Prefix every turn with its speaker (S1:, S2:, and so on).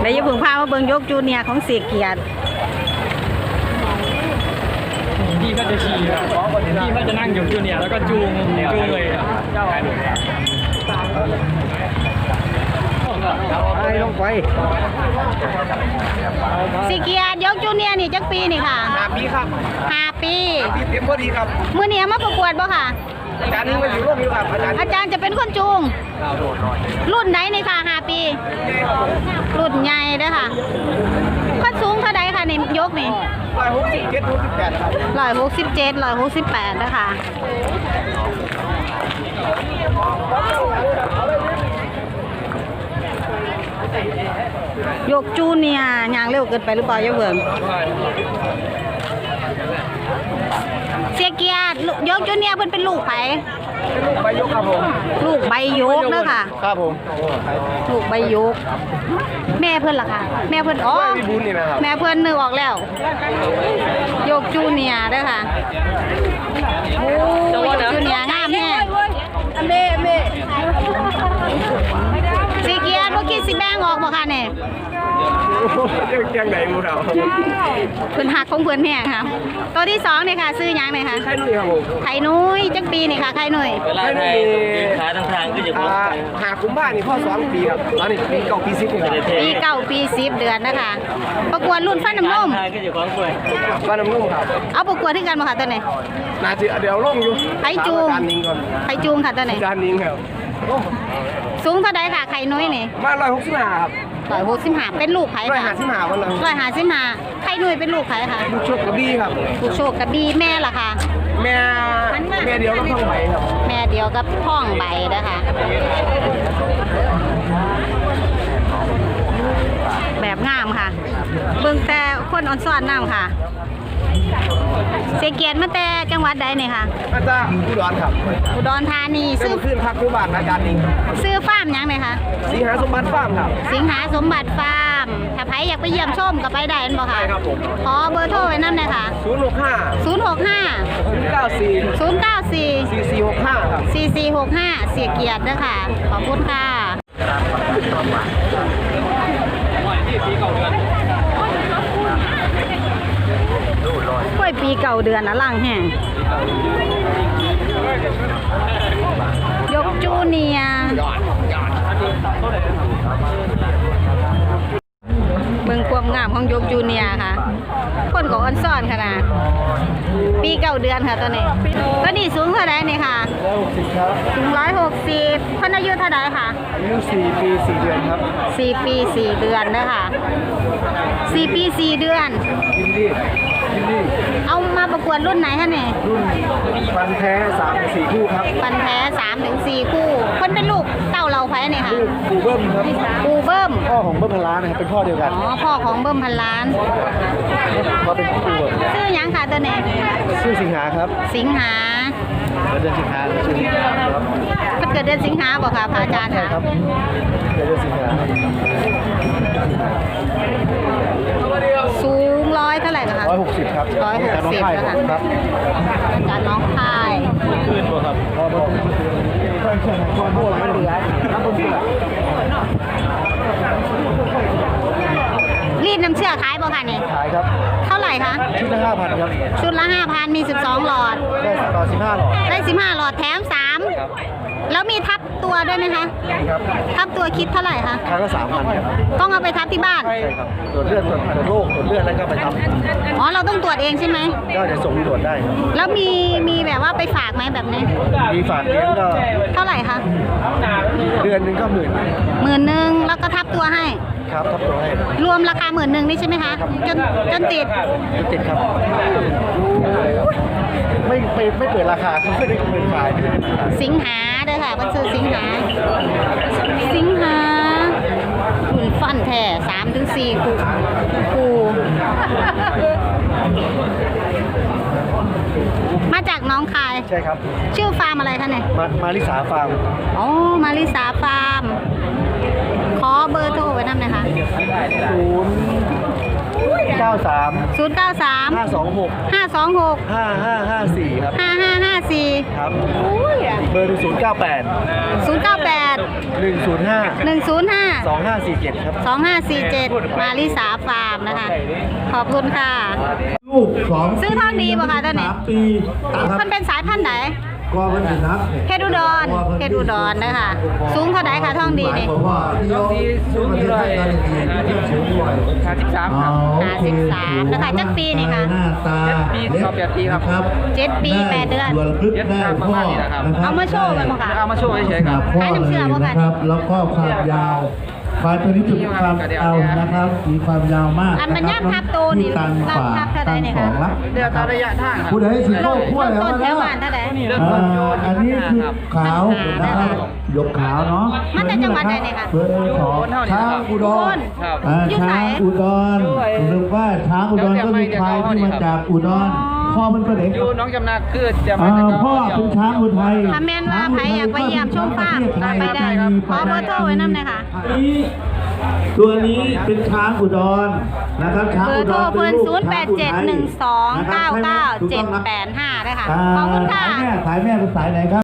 S1: แต่อย่าเพิ่งพามาเบิ่งยกจูเนียร์ของเสียเกียรติ
S2: พี่ก็จะขี่พี่ก็จะนั่งอยู่จูเนียร์แล้วก็จูงเลย
S3: ไปลงไป
S1: เสียเกียรติยกจูเนียร์นี่จักปีนี่ค่ะ
S3: 5 ปีครับ
S1: 5 ปี
S3: ปีเต็มพอดีครับ
S1: มื้อนี้มาประกวดบ่ค่ะ
S3: อาจารย์นึงมาอยู่ร่วมอยู่ครับ
S1: อาจารย์จะเป็นคนจูงรุ่นไหนนี่ค่ะ5 ปีรุ่นใหญ่เด้อค่ะขั้นสูงเท่าใดค่ะในยกนี่
S3: 167 ครับ
S1: 167 168นะคะยกจูเนียร์ยางเร็วเกินไปหรือเปล่าอย่าเบิ่งเสียเกียรติยกจูเนียร์เพิ่นเป็นลูกไผ
S3: ลูกใบยกครับผม
S1: ลูกใบยกเด้อค่ะ
S3: ครับผม
S1: ลูกใบยกแม่เพิ่นล่ะค่ะแม่เพิ่นอ๋อแม่เพิ่นนึกออกแล้วยกจูเนียร์เด้อค่ะโอ้ยกจูเนียร์งามแฮะเสียเกียรติบ่คิดสิแบ่งออกบ่ค่ะเนี่ย
S3: ยังไหนมูเรา
S1: เพิ่นหักของเพิ่นแฮะค่ะตัวที่2นี่ค่ะซื้อหยังนี่ค่ะ
S3: ไข่นุ่ยครับผม
S1: ไข่นุ้ยจักปีนี่ค่ะไข่นุ้ย
S4: เวลาไทยขาทางก็จะพ้น
S3: หากุมภานี่พ่อ2 ปีครับตอนนี้ปี9 ปี 10นี่ครับ
S1: ปี9 ปี 10 เดือนนะคะประกวดรุ่นฟันน้ำนม
S4: ก็จะพ้นด้วย
S3: ฟันน้ำนุ่มครับ
S1: เอาประกวดที่กันบ่ค่ะตัวไหน
S3: น่าจะเดี๋ยวลงอยู่
S1: ไข่จูงไข่จูงค่ะตัวไหน
S3: จานนิ้งครับ
S1: สูงเท่าใดค่ะไข่นุ้ยนี่
S3: มา165ครับ
S1: 165เป็นลูกไผค่ะ
S3: 155วันนั้น
S1: 155ไข่นุ้ยเป็นลูกไผค่ะ
S3: ลูกโชคกระบี่ครับ
S1: ลูกโชคกระบี่แม่ล่ะค่ะ
S3: แม่เดียวกับท้องใบครับ
S1: แม่เดียวกับท้องใบนะคะแบบงามค่ะเบิ่งแต่คนอ่อนซ้อนน้ำค่ะเสียเกียรติมาแต่จังหวัดใดเนี่ยค่ะ
S3: มาจากอุดรครับ
S1: อุดรธานี
S3: ซื้อขึ้นพักที่บ้านอาจารย์นิ่ง
S1: ซื้อฟาร์มยังไหมคะ
S3: สิงหาสมบัติฟาร์มครับ
S1: สิงหาสมบัติฟาร์มถ้าใครอยากไปเยี่ยมชมก็ไปได้บ่ค่ะ
S3: ใช่ครับผม
S1: ขอเบอร์โทรไว้นั่นเลยค่ะ
S3: 065 ครับ
S1: 4465เสียเกียรติด้วยค่ะขอบคุณค่ะกล้วยปี9 เดือนนะล่างแห้งยกจูเนียเมืองความงามของยกจูเนียค่ะคนของอันซ่อนขนาดปี9 เดือนค่ะตัวนี้สูงเท่าไหร่นี่ค่ะ
S3: 160ครับ
S1: สูง160คนอายุเท่าไหร่ค่ะ
S3: อายุ4 ปี 4 เดือนครับ
S1: 4 ปี 4 เดือนนะคะ4 ปี 4 เดือน
S3: ยินดี
S1: เอามาประกวดรุ่นไหนคะเนี่ย
S3: รุ่นฟันแท้3-4 คู่ครับ
S1: ฟันแท้3-4 คู่คนเป็นลูกเต้าเราไผ่เนี่ยค่ะ
S3: ปูเบิ้มครับ
S1: ปูเบิ้ม
S3: พ่อของเบิ้มพันล้านนะครับเป็นพ่อเดียวกัน
S1: อ๋อพ่อของเบิ้มพันล้าน
S3: เขาเป็นปู
S1: ชื่อยังค่ะตัวนี้
S3: ชื่อสิงหาครับ
S1: สิงหา
S3: เดือนสิงหาชื่อสิงหาครับ
S1: เกิดเดือนสิงหาบอกค่ะพระอาจารย์ค่ะ
S3: เดือนสิงหา
S1: สูง100เท่าไหร่นะคะ
S3: 160ครับ
S1: 160นะคะ
S3: ครับ
S1: อาจารย์น้องพาย
S3: ขึ้นบ่ครับพอบ่ความโบราณเหลือครับผม
S1: รีดน้ำเชื่อขายบ่ค่ะนี่
S3: ขายครับ
S1: เท่าไหร่คะ
S3: ชุดละ 5,000 ครับ
S1: ชุดละ 5,000 มี12 หลอด
S3: ได้ต่อ15 หลอด
S1: ได้15 หลอดแถม3แล้วมีทับตัวด้วยไหมคะ
S3: ครับ
S1: ทับตัวคิดเท่าไหร่คะ
S3: ครั้งละ 3,000 ครับ
S1: ต้องเอาไปทับที่บ้าน
S3: ใช่ครับตรวจเลือดตรวจโรคตรวจเลือดแล้วก็ไปทำ
S1: อ๋อเราต้องตรวจเองใช่ไหม
S3: ก็เดี๋ยวส่งตรวจได้ครับ
S1: แล้วมีแบบว่าไปฝากไหมแบบนี้
S3: มีฝากเลี้ยงก็
S1: เท่าไหร่คะ
S3: เดือนนึงก็
S1: 10,000แล้วก็ทับตัวให้
S3: ครับทับตัวให้
S1: รวมราคา10,000นี่ใช่ไหมคะจนติด
S3: ครับไม่เปิดราคาไม่ได้เปิดขาย
S1: สิงหาเด้อค่ะมันชื่อสิงหาหุ่นฟันแท้3-4 คู่มาจากน้องคาย
S3: ใช่ครับ
S1: ชื่อฟาร์มอะไรคะเนี่ย
S3: มาริสาฟาร์ม
S1: อ๋อมาริสาฟาร์มขอเบอร์โทรไว้นำหน่อยค่ะ
S3: 094 093
S1: 093
S3: 526
S1: 526
S3: 5554ครับ
S1: 5554
S3: ครับ
S1: อุ้ย
S3: เบอร์098
S1: 098
S3: 105
S1: 105
S3: 2547ครับ
S1: 2547 มาริสาฟาร์มนะคะ ขอบคุณค่ะ
S5: ลูกสอง
S1: ซื้อทองดีป่ะคะตอนนี้
S5: 3 ปีนะครับ
S1: มันเป็นสายพันธุ์ไหน
S5: ก็มันสินับ
S1: เพชรอุดรเพชรอุดรนะคะสูงเท่าไหร่คะทองดีนี่
S5: เพราะว่าที่เราสูงที่ร้อยสูงด้วย
S2: 53ครับ
S1: 53นะคะจักปีนี่ค่ะ
S5: หน้าตา
S2: 7 ปีต่อ8 ปีครับ
S1: 7 ปี 8 เดือน
S5: ส่วนลึกได้พ่อนะครับ
S1: เอามาโชว์กันบ่คะ
S2: เอามาโชว์เฉยๆครับ
S5: พ่อ
S1: ให้น้ำเชื่อบ่คะ
S5: นะครับ แล้วก็ความยาวควายตัวนี้จุดความยาวนะครับ มีความยาวมาก
S1: อันมันย่ำทับโตนี่
S5: ที่ตัน
S1: รับ
S5: ฝ่า
S1: ทับเท่าใด
S5: ตัน
S1: เนี่ย
S5: ส
S1: คะ
S5: องละ
S2: เดี๋ยวตามระยะทางครับ
S5: ผู้ใดสิโลกขั้ว
S1: เริ่ม
S5: แล้ว
S1: ต้นแถ
S5: นะ
S1: วบ้านเท่าไหร่
S5: อันนี้คือขาวนะครับหยกขาวเนาะ
S1: มาจากจังหวัดไหนเนี่ยคะ
S5: เบอร์ของช้างอุดร
S2: ครับ
S1: อยู่ไหน
S5: ช้างอุดรหรือว่าช้างอุดรก็คือควายที่มาจากอุดรพ่อมันเป็นเด็ก
S2: อยู่น้องจำนาคือจะมาจาก
S5: พ่อเป็นช้างอุทัย
S1: ถ้าแม่นว่าใครอยากไปเยี่ยมชมฟาร์มไปได้ขอเบอร์โทรไว้นำเลยค่ะ
S5: ตัวนี้เป็นช้างอุดรนะครับช้าง
S1: เบอ
S5: อุ
S1: ร์
S5: ด
S1: โทร
S5: ร
S1: เพิ่น
S5: ลูกช้างอุทัย
S1: 0871299785ด้วยค่ะ ขอบคุณค่ะ
S5: สายแม่เป็นสายไหนครับ